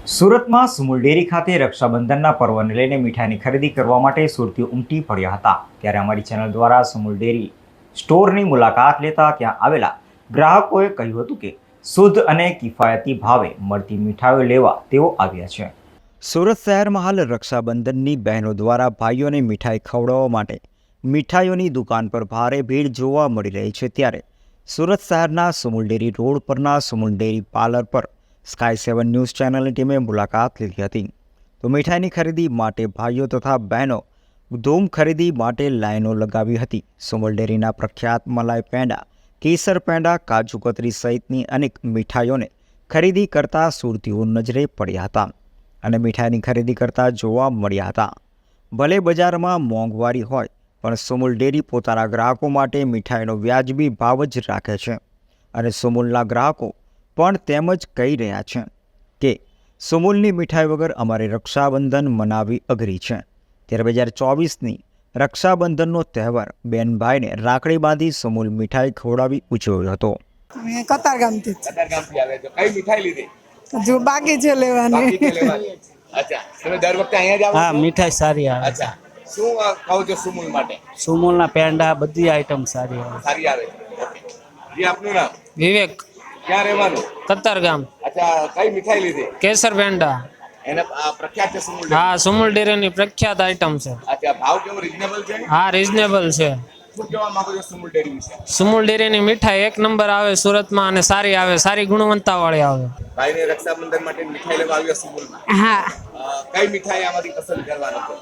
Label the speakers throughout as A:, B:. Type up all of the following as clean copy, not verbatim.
A: સુરતમાં સુમુલ ડેરી ખાતે રક્ષાબંધનના પર્વને લઈને મીઠાઈની ખરીદી કરવા માટે સુરતીઓ ઉમટી પડ્યા હતા। ત્યારે અમારી ચેનલ દ્વારા સુમુલ ડેરી સ્ટોરની મુલાકાત લેતા ત્યાં આવેલા ગ્રાહકોએ કહ્યું હતું કે શુદ્ધ અને કિફાયતી ભાવે મળતી મીઠાઈઓ લેવા તેઓ આવ્યા છે। સુરત શહેરમાં હાલ રક્ષાબંધનની બહેનો દ્વારા ભાઈઓને મીઠાઈ ખવડાવવા માટે મીઠાઈઓની દુકાન પર ભારે ભીડ જોવા મળી રહી છે। ત્યારે સુરત શહેરના સુમુલ ડેરી રોડ પરના સુમુલ ડેરી પાર્લર પર સ્કાય 7 ન્યૂઝ ચેનલની ટીમે મુલાકાત લીધી હતી। તો મીઠાઈની ખરીદી માટે ભાઈઓ તથા બહેનો ધૂમ ખરીદી માટે લાઈનો લગાવી હતી। સુમુલ ડેરીના પ્રખ્યાત મલાઈ પેંડા, કેસર પેંડા, કાજુ કતરી સહિતની અનેક મીઠાઈઓને ખરીદી કરતા સુરતીઓ નજરે પડ્યા હતા અને મીઠાઈની ખરીદી કરતા જોવા મળ્યા હતા। ભલે બજારમાં મોંઘવારી હોય પણ સુમુલ ડેરી પોતાના ગ્રાહકો માટે મીઠાઈનો વ્યાજબી ભાવ જ રાખે છે અને સુમુલના ગ્રાહકો પણ તેમ જ કહી રહ્યા છે કે સુમુલની મીઠાઈ વગર અમારે રક્ષાબંધન મનાવી અઘરી છે। ત્યારે 2024ની રક્ષાબંધનનો તહેવાર બેનભાઈને રાખડી બાંધી સુમુલ મીઠાઈ ખવડાવી ઉજવ્યો હતો।
B: કતારગામથી
C: આવે છે કઈ મીઠાઈ લીધી?
B: જો બાકી છે લેવાની
C: અચ્છા, તમે દર વખતે અહીંયા જ આવો
D: હા,
C: છો?
D: મીઠાઈ સારી આવે છે।
C: અચ્છા, શું ખાવ છો સુમુલ માટે?
D: સુમુલના પેંડા બધી આઈટમ સારી આવે છે।
C: સારી આવે છે। ઓકે, જી આપનું નામ?
D: વિવેક,
C: ક્યાં રહેવાનું?
D: કતારગામ।
C: અચ્છા, કઈ મીઠાઈ લીધી?
D: કેસર પેંડા।
C: એને પ્રખ્યાત છે સુમુલ ડેરી?
D: હા, સુમુલ ડેરીની પ્રખ્યાત આઈટમ છે।
C: અચ્છા, ભાવ કેવો રિઝનેબલ છે?
D: હા, રીઝનેબલ છે।
C: શું કહેવા માંગો છો સુમુલ ડેરી વિશે?
D: સુમુલ ડેરીની મીઠાઈ એક નંબર આવે સુરતમાં અને સારી આવે, સારી ગુણવત્તા વાળી આવે।
C: ભાઈને રક્ષાબંધન માટે મીઠાઈ લેવા આવ્યો સુમુલમાં?
B: હા
C: કઈ મીઠાઈ આમાંથી પસંદ કરવાનો છે?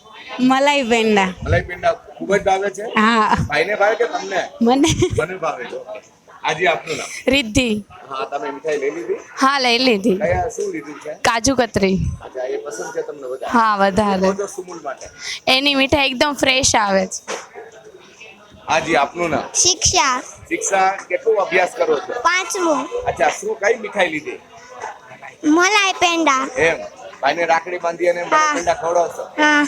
B: મલાઈ પેંડા
C: મલાઈ પેંડા ખૂબ જ ભાવે છે?
B: હા
C: ભાઈને ભાવે કે તમને?
B: મને
C: મને ભાવે છે। ઓકે, આજે આપનું નામ?
B: રિદ્ધિ
C: હા, તમે મીઠાઈ લઈ લીધી?
B: હા લઈ લીધી
C: કયા શું લીધું છે?
B: કાજુ કતરી
C: અચ્છા, એ પસંદ છે તમને વધારે?
B: હા વધારે
C: શું કહો છો સુમુલ માટે?
B: એની મીઠાઈ એકદમ ફ્રેશ આવે છે।
C: હાજી, આપનું નામ?
E: શિક્ષા
C: શિક્ષા, કેટલું અભ્યાસ કરો છો?
E: 5મું
C: અચ્છા, શું કઈ મીઠાઈ લીધી?
E: મલાઈ પેંડા
C: એમ, ભાઈને રાખડી બાંધી અને મલાઈ પેંડા ખવડાવશો?
E: હા